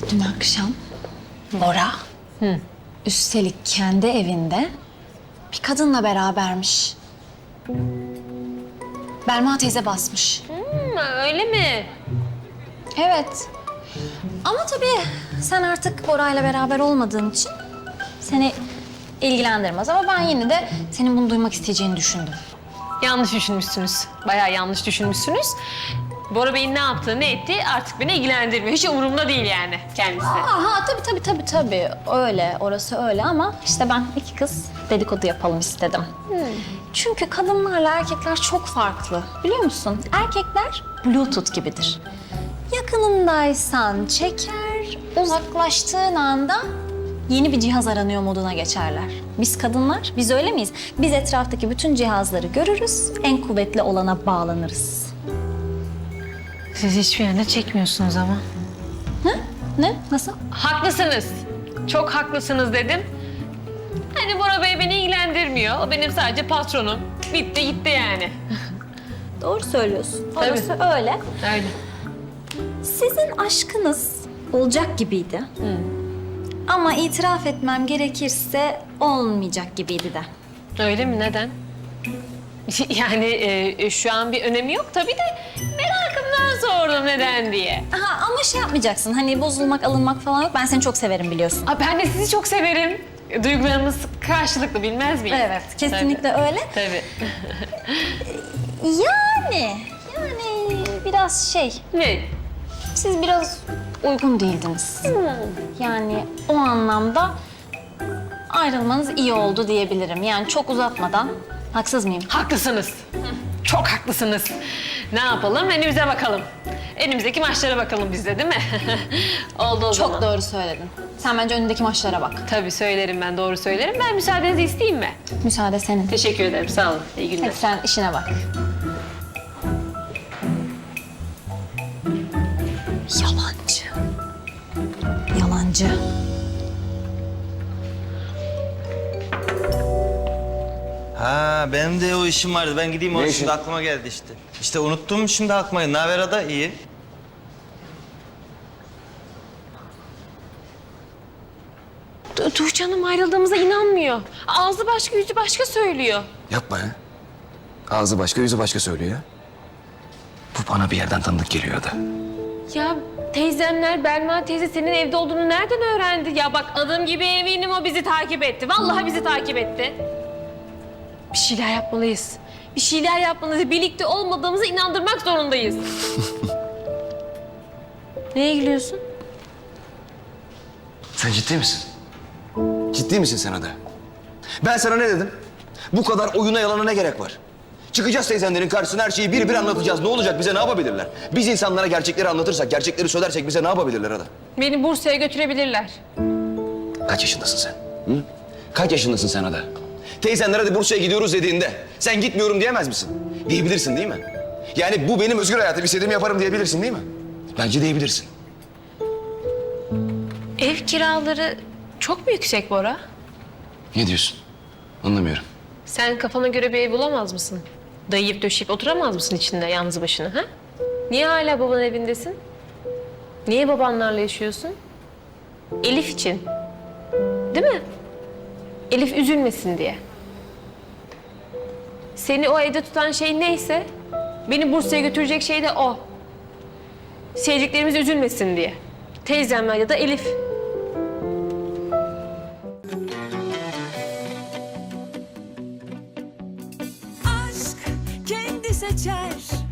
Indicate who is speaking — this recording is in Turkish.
Speaker 1: Dün akşam Bora, üstelik kendi evinde bir kadınla berabermiş. Belma teyze basmış.
Speaker 2: Öyle mi?
Speaker 1: Evet. Ama tabii sen artık Bora'yla beraber olmadığın için seni ilgilendirmez. Ama ben yine de senin bunu duymak isteyeceğini düşündüm.
Speaker 2: Yanlış düşünmüşsünüz. Bayağı yanlış düşünmüşsünüz. Bora Bey'in ne yaptığı, ne ettiği artık beni ilgilendirmiyor. Hiç umurumda değil yani kendisi.
Speaker 1: Aha tabii. Öyle, orası öyle ama işte ben iki kız dedikodu yapalım istedim. Çünkü kadınlarla erkekler çok farklı. Biliyor musun? Erkekler Bluetooth gibidir. Yakınındaysan çeker, uzaklaştığın anda yeni bir cihaz aranıyor moduna geçerler. Biz kadınlar, biz öyle miyiz? Biz etraftaki bütün cihazları görürüz, en kuvvetli olana bağlanırız.
Speaker 2: Siz hiçbir yerine çekmiyorsunuz ama.
Speaker 1: Ne? Nasıl?
Speaker 2: Haklısınız. Çok haklısınız dedim. Hani Bora Bey beni ilgilendirmiyor. O benim sadece patronum. Bitti gitti yani.
Speaker 1: Doğru söylüyorsun.
Speaker 2: Tabii.
Speaker 1: Orası öyle.
Speaker 2: Öyle.
Speaker 1: Sizin aşkınız olacak gibiydi. Ama itiraf etmem gerekirse olmayacak gibiydi de.
Speaker 2: Öyle mi? Neden? Yani şu an bir önemi yok tabii de merakımdan sordum neden diye.
Speaker 1: Aha, ama şey yapmayacaksın. Hani bozulmak, alınmak falan yok. Ben seni çok severim biliyorsun.
Speaker 2: Aa, ben de sizi çok severim. Duygularımız karşılıklı bilmez miyiz?
Speaker 1: Evet, kesinlikle öyle.
Speaker 2: Tabii.
Speaker 1: Yani biraz şey,
Speaker 2: Ne?
Speaker 1: siz biraz uygun değildiniz. Yani o anlamda ayrılmanız iyi oldu diyebilirim. Yani çok uzatmadan, haksız mıyım?
Speaker 2: Haklısınız. Çok haklısınız. Ne yapalım? Önümüze bakalım. Önümüzdeki maçlara bakalım biz de değil mi? Oldu o zaman.
Speaker 1: Çok doğru söyledin. Sen bence önündeki maçlara bak.
Speaker 2: Tabii söylerim ben, doğru söylerim. Ben müsaadenizi isteyeyim mi?
Speaker 1: Müsaade senin.
Speaker 2: Teşekkür ederim, sağ olun. İyi günler.
Speaker 1: Hadi sen işine bak. Yalancı. Yalancı.
Speaker 3: Ha benim de o işim vardı. Ben gideyim o şimdi aklıma geldi işte. İşte unuttum şimdi aklıma. Ne haber Ada? İyi.
Speaker 2: Tuğçe Hanım ayrıldığımıza inanmıyor. Ağzı başka, yüzü başka söylüyor.
Speaker 4: Yapma ya. Ağzı başka, yüzü başka söylüyor ya. Bu bana bir yerden tanıdık geliyor da.
Speaker 2: Ya teyzemler, Belma teyze senin evde olduğunu nereden öğrendi? Ya bak adım gibi eminim o bizi takip etti. Vallahi bizi takip etti. Bir şeyler yapmalıyız. Bir şeyler yapmalıyız. Birlikte olmadığımızı inandırmak zorundayız. Neye gülüyorsun?
Speaker 4: Sen ciddi misin? Ciddi misin sen Ada? Ben sana ne dedim? Bu kadar oyuna yalana ne gerek var? Çıkacağız teyzenlerin karşısına her şeyi bir bir anlatacağız. Ne olacak bize ne yapabilirler? Biz insanlara gerçekleri anlatırsak, gerçekleri söylersek bize ne yapabilirler Ada?
Speaker 2: Beni Bursa'ya götürebilirler.
Speaker 4: Kaç yaşındasın sen? Hı? Kaç yaşındasın sen Ada? Teyzenler hadi Bursa'ya gidiyoruz dediğinde sen gitmiyorum diyemez misin? Diyebilirsin değil mi? Yani bu benim özgür hayatım, istediğimi yaparım diyebilirsin değil mi? Bence diyebilirsin.
Speaker 2: Ev kiraları çok mu yüksek Bora?
Speaker 4: Ne diyorsun? Anlamıyorum.
Speaker 2: Sen kafana göre bir ev bulamaz mısın? Dayayıp döşeyip oturamaz mısın içinde yalnız başına ha? Niye hala babanın evindesin? Niye babanlarla yaşıyorsun? Elif için. Değil mi? Elif üzülmesin diye. Seni o evde tutan şey neyse, beni Bursa'ya götürecek şey de o. Sevdiklerimiz üzülmesin diye. Teyzemler ya da Elif.
Speaker 5: Aşk kendi seçer